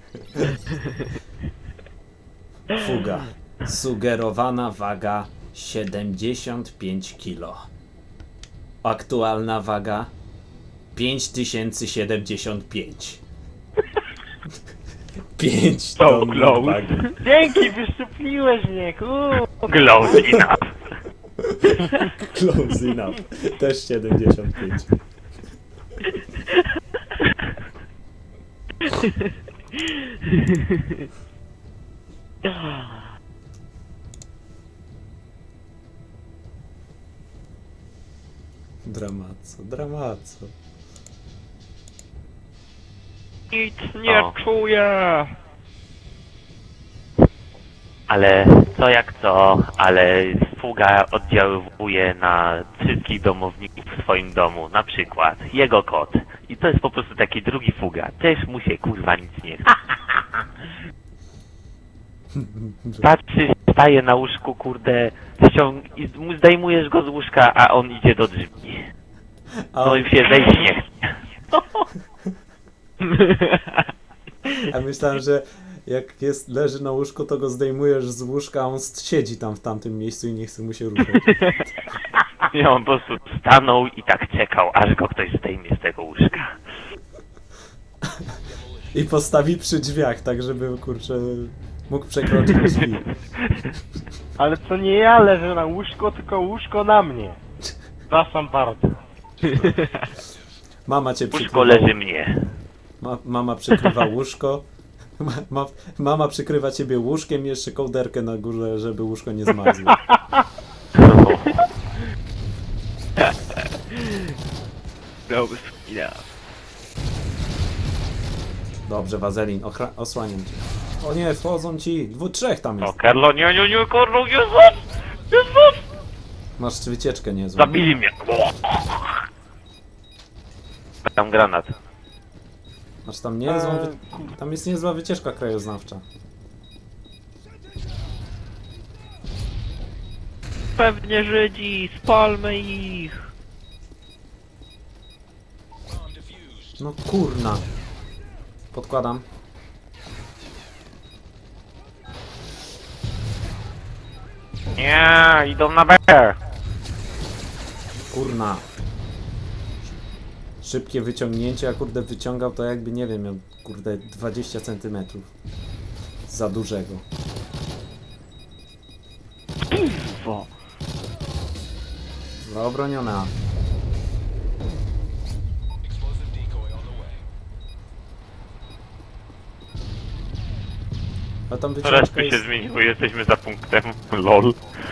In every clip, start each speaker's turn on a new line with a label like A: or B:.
A: Fuga. Sugerowana waga 75 kg. Aktualna waga 5075. 5 ton wagi.
B: Dzięki, wyszczupliłeś mnie,
C: Close enough.
A: Close enough. Też 75. Dramaco.
B: Nic nie
C: O.
B: czuję.
C: Ale co jak co, ale fuga oddziaływuje na wszystkich domowników w swoim domu. Na przykład jego kot. I to jest po prostu taki drugi fuga. Też mu się kurwa nic nie chce. Patrzysz, staje na łóżku, kurde, i zdejmujesz go z łóżka, a on idzie do drzwi. No i się zejść nie chce.
A: A myślałem, że jak leży na łóżku, to go zdejmujesz z łóżka, a on siedzi tam w tamtym miejscu i nie chce mu się ruszać.
C: I on po prostu stanął i tak czekał, aż go ktoś zdejmie z tego łóżka.
A: I postawi przy drzwiach, tak żeby, kurczę, mógł przekroczyć drzwi.
B: Ale to nie ja leżę na łóżko, tylko łóżko na mnie. Przepraszam bardzo.
A: Mama cię
C: Łóżko
A: przykrywa.
C: leży mnie.
A: Mama przykrywa łóżko. Mama przykrywa ciebie łóżkiem i jeszcze kołderkę na górze, żeby łóżko nie zmarzło. Dobrze, Wazelin, osłaniam cię. O nie, wchodzą ci, trzech tam
C: O,
A: jest.
C: Karlo, nie, Karlo, Jezus! Jezus!
A: Masz wycieczkę niezłą.
C: Zabili mnie. Tam granat.
A: Masz tam niezłą, tam jest niezła wycieczka krajoznawcza.
B: Pewnie Żydzi, spalmy ich.
A: No kurna. Podkładam.
C: Nie, idą na B.
A: Kurna. Szybkie wyciągnięcie, a kurde wyciągał to jakby, nie wiem, miał kurde 20 cm. Za dużego.
B: Kurwa.
A: Dobra, obroniona. A tam wyciążka
C: Reszty się
A: jest...
C: zmieniły, jesteśmy za punktem. LOL.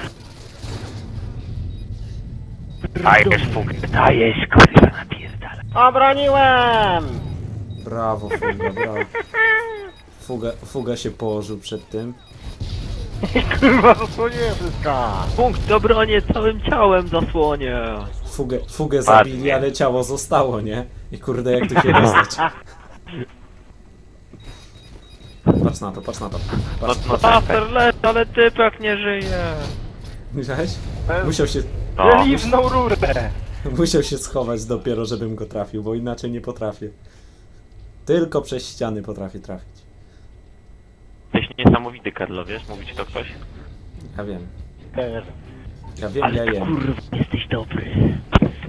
C: Dajesz fugę, dajesz, kurwa, napierdala.
B: Obroniłem!
A: Brawo, Fuga, brawo. Fuga się położył przed tym.
B: Kurwa, zasłoniłem wszystko. Punkt obronię całym ciałem zasłonię.
A: Fugę zabili, ale ciało zostało, nie? I kurde, jak tu się dostać? Patrz na to, patrz na to. Patrz.
C: No tak,
B: Paster leci, ale typek nie żyje.
A: Widziałeś? Musiał się,
C: no.
B: Żeliwną rurę.
A: musiał się schować dopiero, żebym go trafił, bo inaczej nie potrafię. Tylko przez ściany potrafię trafić.
C: Jesteś niesamowity, Karlo, wiesz? Mówi ci to ktoś?
A: Ja wiem.
B: Też.
A: Ja wiem, ja jem.
C: kurwa, jesteś dobry.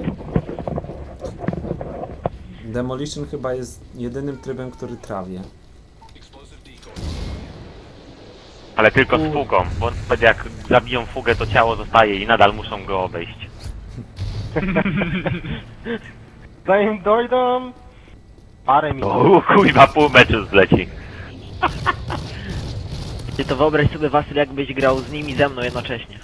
A: Demolition chyba jest jedynym trybem, który trawię.
C: Ale tylko z fugą, bo nawet jak zabiją fugę, to ciało zostaje i nadal muszą go obejść.
B: Zanim dojdą... Parę minut.
C: O, kurwa, pół meczu zleci.
D: Ty to wyobraź sobie, Wasyl, jakbyś grał z nimi ze mną jednocześnie.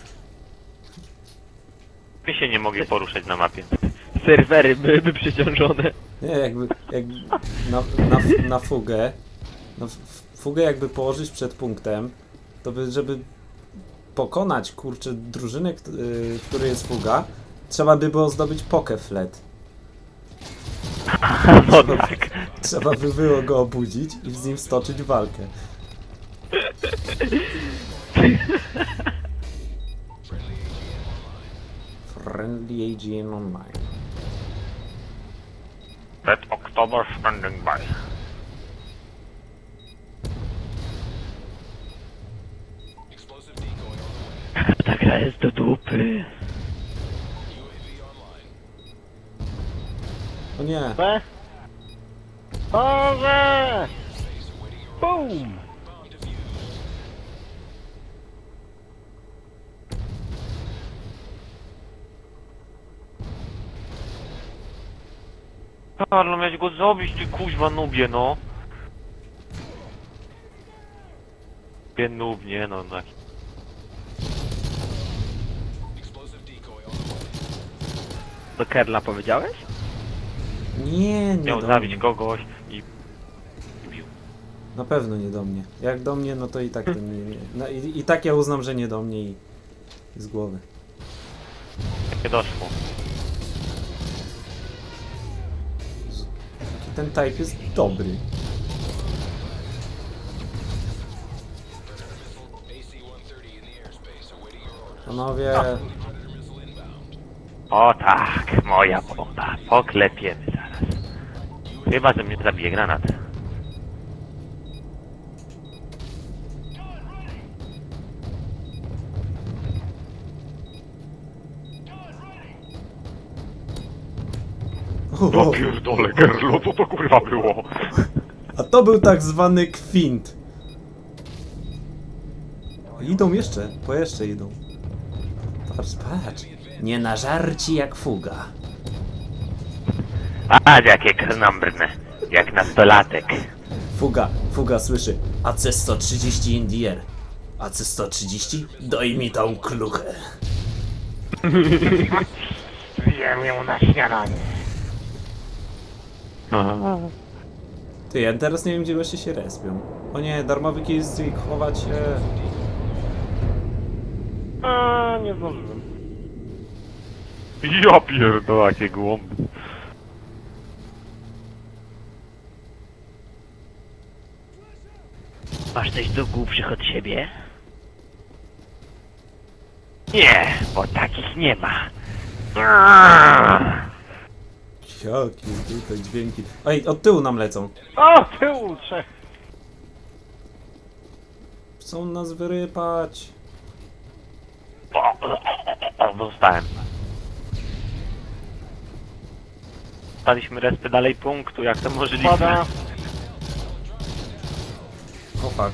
C: My się nie mogli poruszać na mapie.
D: Serwery byłyby przeciążone.
A: Nie, jakby na fugę, fugę jakby położyć przed punktem, to by, żeby pokonać, kurczę, drużynę, w której jest fuga, trzeba by było zdobyć pokeflet.
C: No tak.
A: Trzeba by było go obudzić i z nim stoczyć walkę. Friendly AGN Online.
C: Red October standing by.
D: To jest do dupy.
A: O nie.
B: B. Boże! Boom!
C: Karlo, miałeś go zabić, ty kuźwa nubie, no. Nie nub, nie no, tak.
D: Do Kerla powiedziałeś?
A: Nie, nie
C: Miał
A: do
C: zabić
A: mnie.
C: kogoś i bił.
A: Na pewno nie do mnie. Jak do mnie, no to i tak to nie. No, i tak ja uznam, że nie do mnie i z głowy.
C: Nie doszło.
A: Ten type jest dobry. Panowie,
C: O tak, moja bomba. Poklepiemy zaraz. Chyba, że mnie zabije granat.
A: o,
C: pierdolę, Gerlo, co to kurwa było?
A: a to był tak zwany kwint. Idą jeszcze, po jeszcze idą. Patrz, patrz. Nie nażarci jak fuga.
C: A, jakie krnąbrne. Jak nastolatek.
A: Fuga słyszy. AC-130 in the air. AC-130? Daj mi tą kluchę.
B: Zjem ją na śniadanie.
A: Ty, ja teraz nie wiem, gdzie goście się respią. O nie, darmowy killstreak, chować się.
B: A, nie zdążyłem.
C: Ja pierdolę, jakie głąby.
D: Masz coś do głupszych od siebie?
C: Nie, bo takich nie ma.
A: Jakie tutaj dźwięki. Ej, od tyłu nam lecą.
B: O, tyłu trzech.
A: Chcą nas wyrypać.
C: O, dostałem. Staliśmy respy dalej punktu, jak to możliwe?
B: Pada.
A: O fuck.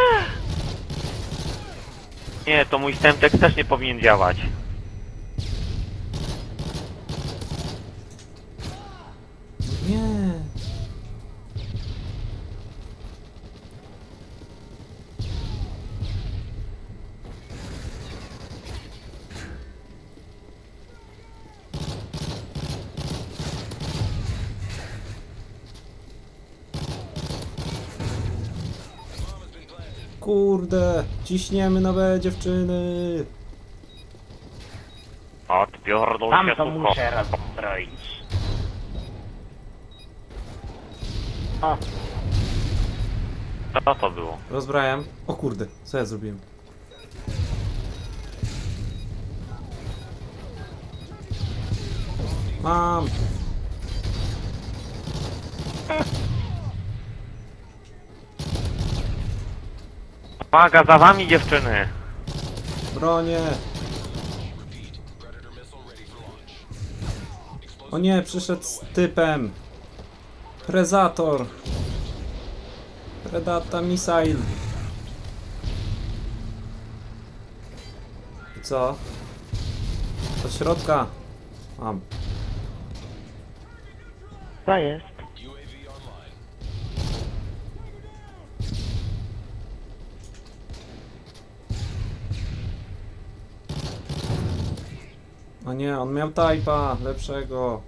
C: Nie, to mój Semtex też nie powinien działać.
A: Nie. Kurde, ciśniemy na B, dziewczyny.
C: Odpierdol
B: Tam
C: się,
B: to
C: suko.
B: muszę rozbroić. O,
C: Co to było?
A: Rozbrajam. O kurde, co ja zrobiłem? Mam.
C: Uwaga, za wami dziewczyny!
A: Bronię. O nie, przyszedł z typem. Predator. Predata missile. I co? Od środka. Mam.
D: To jest.
A: O nie, on miał typa lepszego.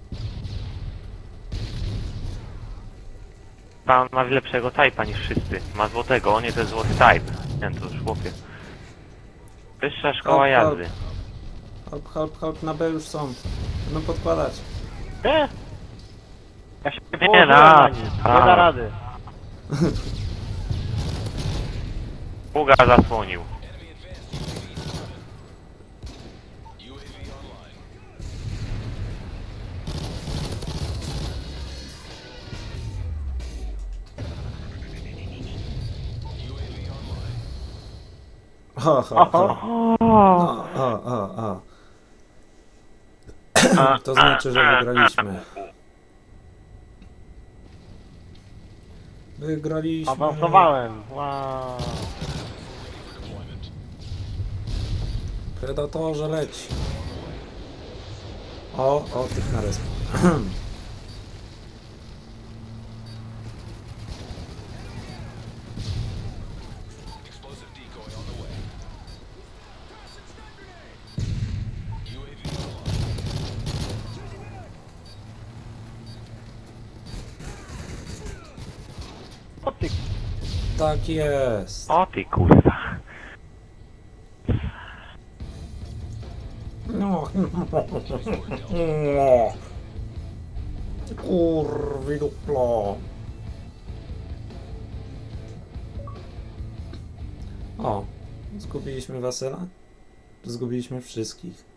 C: Pan ma lepszego typa niż wszyscy. Ma złotego, on nie to jest złoty type. Nie, to już chłopie. Wyższa szkoła jazdy.
A: Help, na B już są. Będą podkładać.
B: nie. Ja się
C: Nie
B: położyłem
C: da.
B: na nim. Nie da rady.
C: Fuga zasłonił.
A: Ho, ho, ho. O. To znaczy, że wygraliśmy. Wygraliśmy.
B: Awansowałem. Wow.
A: Predatorze leć. O, tych na resp.
B: O ty,
A: Tak jest.
C: O ty kurwa.
A: No. Kurwi duplo. O, zgubiliśmy Wasyla? Zgubiliśmy wszystkich.